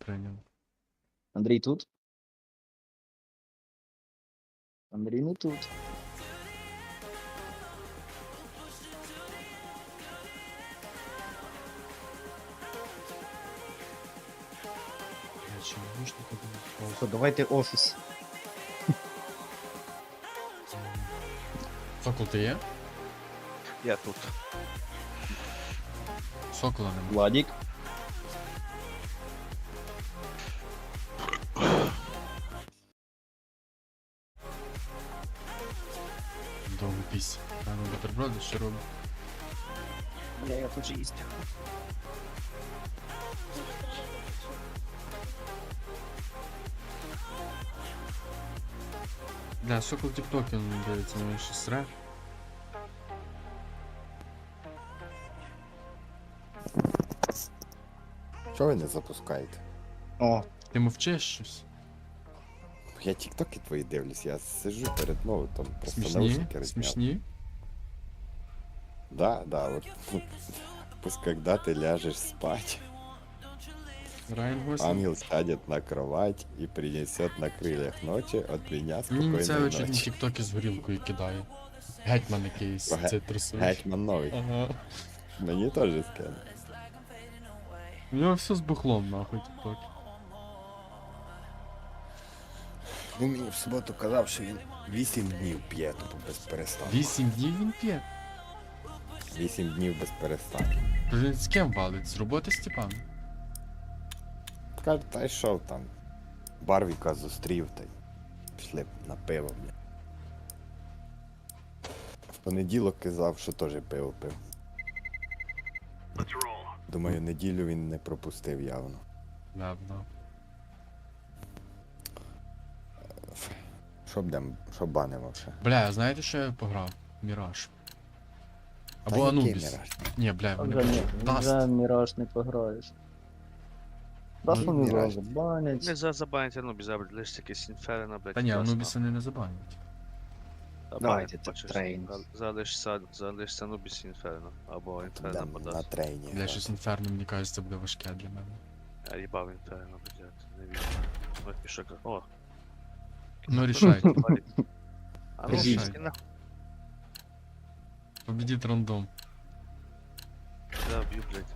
прийняли. Андрій тут? Андрій не тут. Я чи наушники будуть? Що, давайте офіс. Сокол, ти є? Я тут. Сокола нема. Владік. Довго пісь. Рано бутерброди, що робить? Я тут же їсть. Бля, Сокол тік-токи не дивиться, ну ще сре. Чого ви не запускаєте? О, Ти мовчиш щось? Я тіктоки твої дивлюсь, я сиджу перед ноутом, просто Смішні? наушники розняв. Смішні? Да, вот. Пусть когда ты ляжешь спать, Райан Гослінг? ангел сядет на кровать и принесет на крыльях ночи от меня Мені це спокойной очі ночи. тік-токи з горілкою кидає. Гетьман якийсь Ге- цитрусовий. Гетьман новий. Ага. Мені теж скине. У нього все з бухлом, нахуй, тік-токи. Він мені в суботу казав, що він 8 днів п'є, тупо без перестанку. 8 днів він п'є. 8 днів без перестанку. То він з ким валить? З роботи Степан? Каже, та й шов там. Барвіка зустрів, та й пішли на пиво, бля. В понеділок казав, що теж пиво пив. Думаю, неділю він не пропустив явно. Ладно. Що банимо ще? Бля, знаєте, що я пограв? Міраж. Та Або який Анубіс. Міраж? Ні, бля, вони вже, пишуть. Даст. вже Міраж не пограєш. Даст Ну, вони Міраж. зразу банять. Не забанити, ну, без лише якесь інферно, блядь. Та ні, ясно. Анубіса не забанять. Та Давайте, банять, так, бачиш, трейн. залишся Анубіс інферно, або інферно Будем на подасть. трейні. Бля, щось інферно, мені кажеться, це буде важке для мене. Я їбав інферно, блядь, не вірю. Ну, пішок, о. Ну, рішайте. А ну, Кажіть. пішки нахуй, Победіть рандом. да, б'ю, блядь.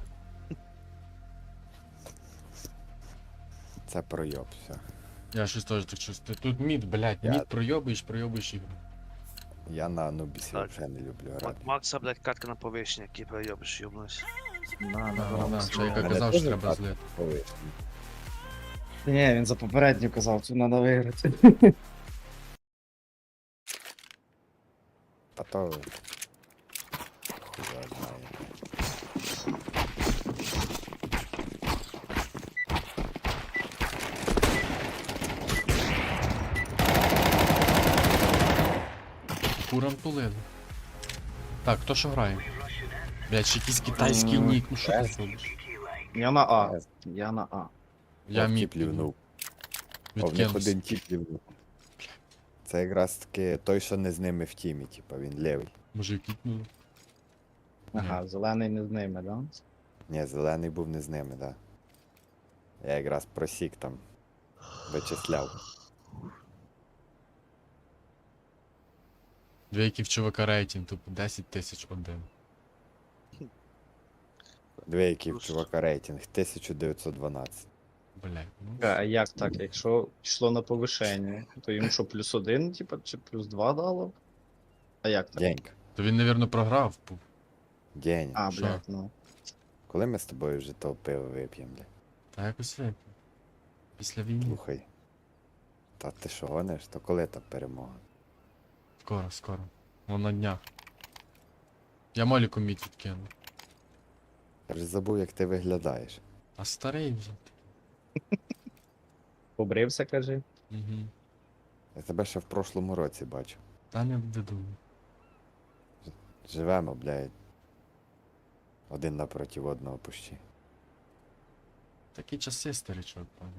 Це пройоб, все. Я щось теж так чувствую. Тут мід, блядь, Я- мід проєбуєш ігру. Я на Анубісі Так. вже не люблю грати. Макса, блядь, катка на повищення, який проєбиш, йобнусь. Чайка Мене казав, теж що треба так. злити. Ой, Ні, він за попередню казав, тут треба виграти. Та то... Хуй його знає. Курам тулили. Так, хто що грає? Блядь, ще якийсь китайський нік, ну що ти робиш? Я на А. Я на А. Я От мід тіп лівнув. О, в них відкинувся. один тіп лівнув. Це якраз таки той, що не з ними в тімі, типа він лівий. Може кітнули? Ага, зелений не з ними, да? Ні, зелений був не з ними, да. Я якраз просік там. Вичисляв. Дві які в чувака рейтинг, тупо 10 тисяч один. Дві які в чувака рейтинг 1912. Блядь, ну. А як так? Якщо йшло на повишення, то йому що, +1, типа, чи +2 дало? А як так? Денька. То він, напевно, програв. Деня. А, Що? блядь, ну. Коли ми з тобою вже того пиво вип'ємо, бля? Та якось випив. Після війни. Слухай. Та ти що гониш? То коли та перемога? Скоро, скоро. Вон на днях. Я Моліку мід відкину. Я вже забув, як ти виглядаєш. А старий вже. Побрився, кажи. Угу. Я тебе ще в прошлому році бачу. Та не веду. Живемо, блядь. Один напроти одного пущі. Такі часи, старичок, пане.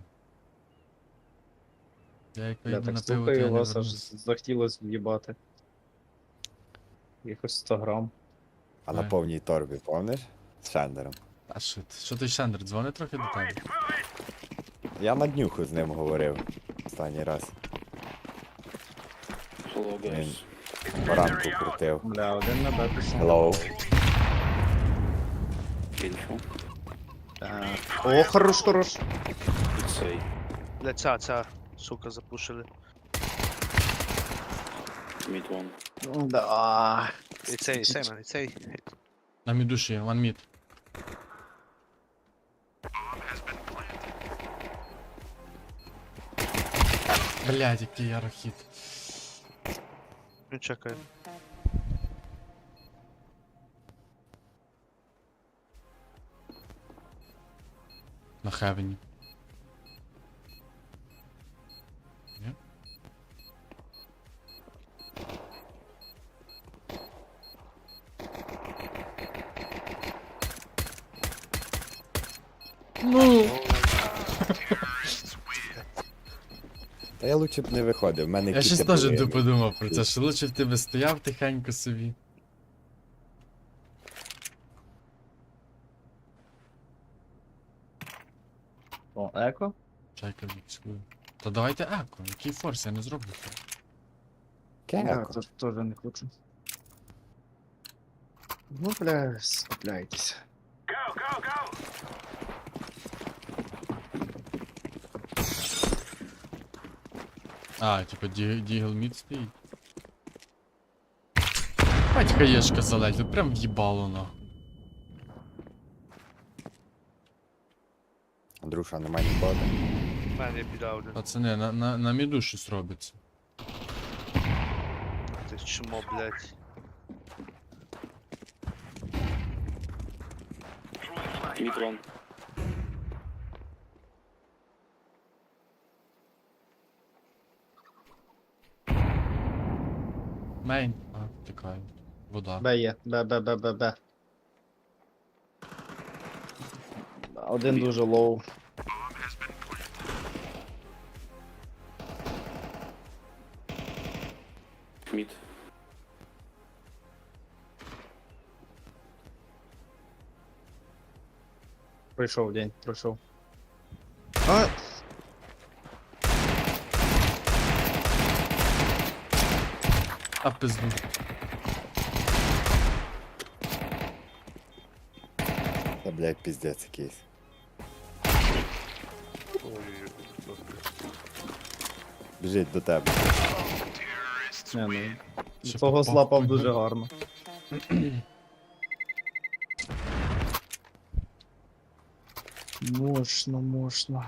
Я як Я вийду так на пиво, то слухаю я не вас, аж вернусь. захотілося в'їбати. Якось 100 грам. А на Ой. повній торбі, помниш? З Шендером. А що ти? Що ти, Шендер, дзвони трохи до тебе? Я на днюху з ним говорив останній раз. Hello, guys. Він баранку крутив. Бля, один на Б пішов. Hello. Info. О, хорош, хорош. It's A. Бля, ця, сука, запушили. Mid one. Да. І цей, man, і цей. На мідуші, one mid. Блядь, який ярохід. Ну, чекай. На хевені. Ні? Ну! Та я лучше б не виходив, в мене Я щось кіти теж були. подумав про це, що лучше б ти би стояв тихенько собі. О, еко. Чайка відскую. Та давайте еко, який форс, я не зроблю це. Да, Кеко. теж не хочу. Ну, бля, скупляйтесь. А, типа Дігл мід стоїть. Бать хаєшка залетіла, прям в'їбало нахуй. Андрюша, немає нікого. У мене є біда один. Пацани, на міду щось робиться. Ти чмо, блядь. Mid one. Мейн. А, тікаю. Вода. Б є. Б. Один дуже лоу. Mid. Пройшов день, пройшов. А, А пизду. Та, блядь, піздець якийсь. Ой-ой-ой. Біжить до тебе. не, ну. Ще Того попав. злапав дуже гарно. Можна.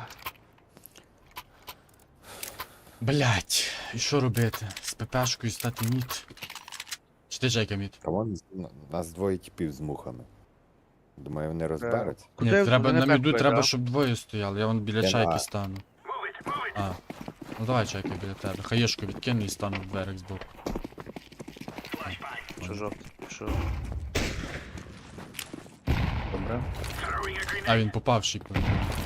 Блять, і що робити? З ППшкою стати мід. Чи ти Джейка мід? Камон, нас двоє типів з мухами. Думаю, вони розберуться. Ні, Куди треба вони на так міду, пойдуть, треба, а? щоб двоє стояли. Я вон біля Я чайки на- стану. А. Ну давай чайка біля тебе. Хаєшку відкину і стану в берег збоку. Що жовтий? Що? Добре. А він попав шіку.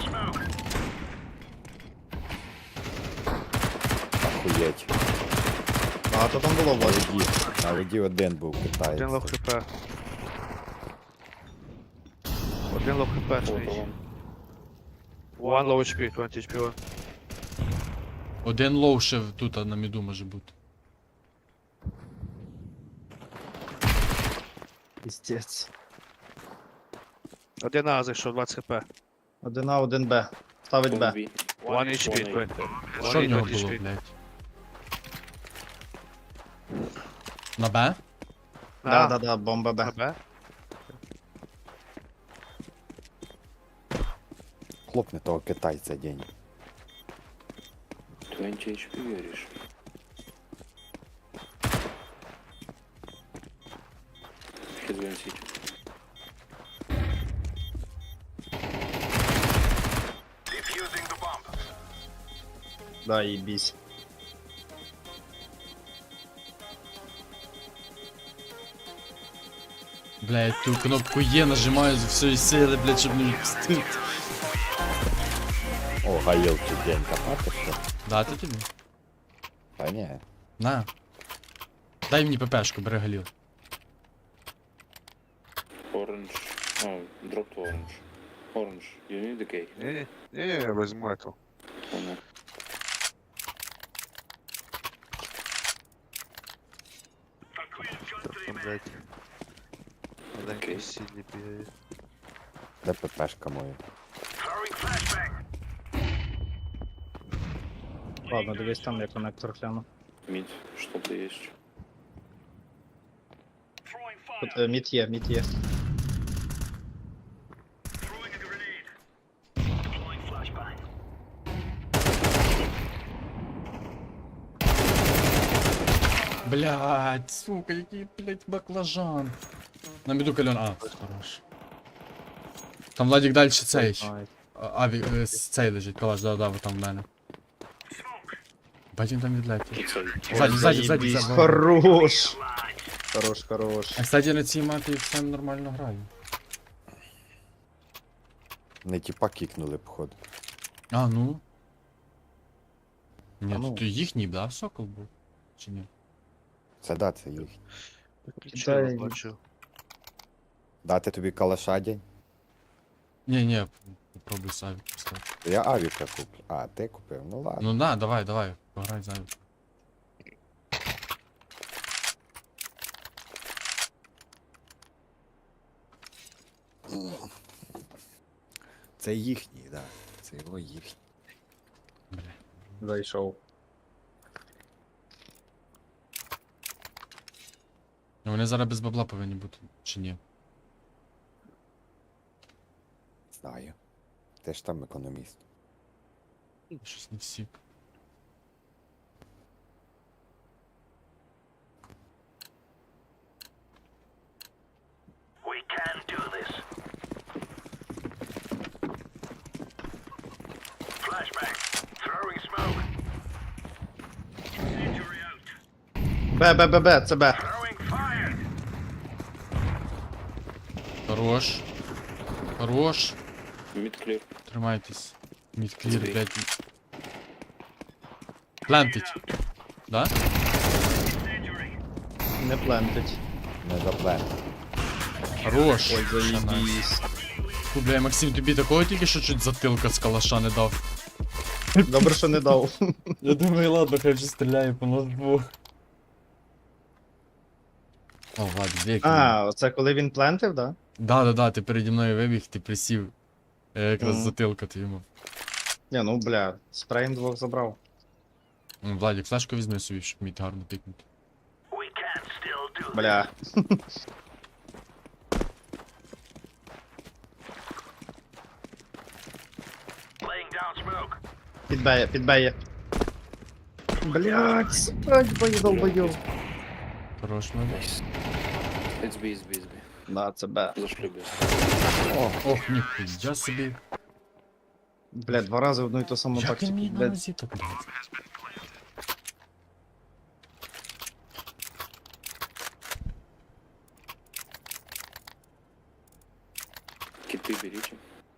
Охуєть. Багато там було На вас. воді. На воді один був Один лох китаєць. хп. Один лох хп, Photo швидше. one. One low HP, 20 HP one. Один лоу ще тут на міду може бути. Піздець. Один А зайшов, 20 хп. Один А, один Б. Ставить One Б. B. One HP, One A. 20. Що в One нього 20 було, HP. блять? На Б? Да, бомба Б. Б. Хлопне того китайця день. 20 HP віриш. He's going city. Да, їбісь. Блять, ту кнопку Є нажимаю з всієї сили, блять, щоб не відпустити. О, гаїлки день копати що? Дати тобі? Та ні. На. Дай мені ППшку, бери галіл. Orange. Oh, dropped orange. Orange. You need the cake. Ні, я візьму эту. блядь. Маленький Окей. сильний бігає. Де ППшка моя? Ладно, дивись там, я коннектор гляну. Мид, что-то есть. Тут мід є, мід є. Блядь, сука, який, блядь, баклажан. На міду кальон. А, хорош. Там Владик далі цей. Ай. Аві, цей лежить, калаш, да, вот там в мене. Бать він там відлетів. Пицца. Ззаді, ззаді, ззаді, Заєбісь, ззаді. Хорош! Хорош, хорош. А кстати, на цій мапі все нормально граю. Не тіпа кікнули, походу. А, ну. Ні, А ну. тут їхній, да, сокол був? Чи ні? Це да, це їх. Виключив, Дай- бачу. Дати тобі калаша день? Ні, попробуй Савік поставити. Я авіка куплю. А, ти купив? Ну ладно. Ну на, давай, пограй за Авік. Це їхній, да. Це його їхній. Зайшов. Ну вони зараз без бабла повинні бути, чи ні? Знаю. Ти ж там економіст. Щось не всі. Б, це Б. Хорош. Хорош. Мид клир. Тримайтесь. Мідклір, Збій. блядь. Плентить. Да? Не плентить. Не заплен. Хорош. Ой, заєбісь. Фу, бля, Максим, тобі такого тільки що чуть затилка з калаша не дав. Добре, що не дав. Я думаю, ладно, хай вже стріляє по ножбу. О, Влад, вік. А, оце коли він плентив, да? Да, ти переді мною вибіг, ти присів. Я якраз Мгм. затилка ти йому. Ні, ну бля, спреєм двох забрав. Владик, флешку візьми собі, щоб міг гарно пікнути. Бля. Підбеє, підбеє. Блять, срать, бою долбою. Хорош, мене. Найс. SB. Да, це Б. Зашли без. Ох, ніхуя собі. Бля, два рази одну і ту саму Як він тактику. мені на Бля, нозі так блядь? Киты берите.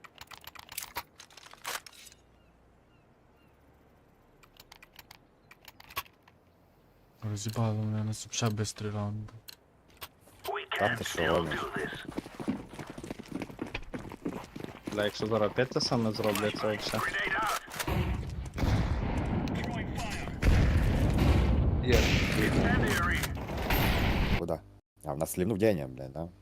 Розібало мене, нас ще бистрий раунд був. Та ти що гониш? бля, якщо зараз опять те саме зроблять, це все. Є. Куда? А в нас слівнув день, блядь, да?